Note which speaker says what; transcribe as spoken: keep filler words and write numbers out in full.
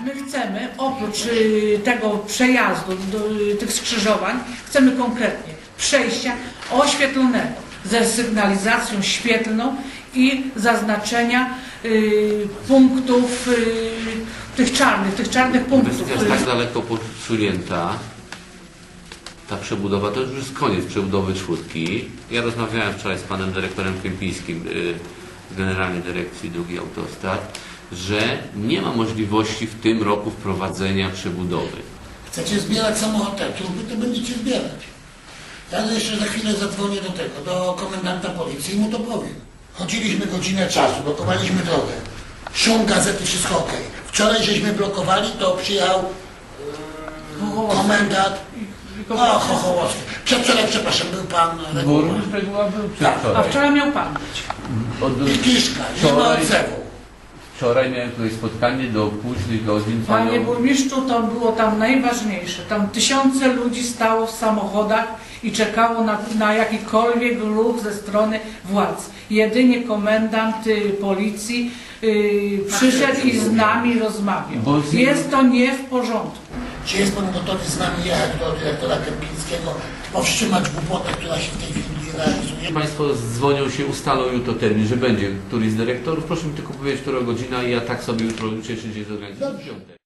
Speaker 1: My chcemy, oprócz y, tego przejazdu, do, y, tych skrzyżowań, chcemy konkretnie przejścia oświetlonego ze sygnalizacją świetlną i zaznaczenia y, punktów, y, tych czarnych, tych czarnych punktów.
Speaker 2: Inwestycja jest tak daleko posunięta, ta przebudowa, to już jest koniec przebudowy czwórki. Ja rozmawiałem wczoraj z panem dyrektorem Kępińskim z Generalnej Dyrekcji Dróg i Autostrad, że nie ma możliwości w tym roku wprowadzenia przebudowy.
Speaker 3: Chcecie zbierać samochody, to będziecie zbierać. Ja jeszcze za chwilę zadzwonię do tego, do komendanta policji i mu to powiem. Chodziliśmy godzinę czasu, blokowaliśmy drogę. Szum gazety, wszystko ok. Wczoraj żeśmy blokowali, to przyjechał yy, komendant. O, Chochołowski. Przedwczoraj, przepraszam, był pan Reguła.
Speaker 4: Burmistrz Reguła był
Speaker 3: Tak.
Speaker 1: A
Speaker 4: przedwczoraj.
Speaker 1: wczoraj miał pan być.
Speaker 4: Od,
Speaker 3: I Kiszka, nie ma
Speaker 4: wczoraj,
Speaker 3: odzewu.
Speaker 4: wczoraj miałem tutaj spotkanie do późnych godzin.
Speaker 1: Panie
Speaker 4: Panią,
Speaker 1: burmistrzu, to było tam najważniejsze. Tam tysiące ludzi stało w samochodach i czekało na, na jakikolwiek ruch ze strony władz. Jedynie komendant y, policji y, przyszedł i z nami rozmawiał.
Speaker 4: Bo z-
Speaker 1: Jest to nie w porządku.
Speaker 3: Czy jest pan gotowy z nami jechać do dyrektora Kępińskiego, powstrzymać głupotę, która się w tej chwili realizuje?
Speaker 2: Państwo dzwonią się, ustalą jutro termin, że będzie któryś z dyrektorów. Proszę mi tylko powiedzieć, która godzina i ja tak sobie jutro uczę, czy gdzieś zorganizuję.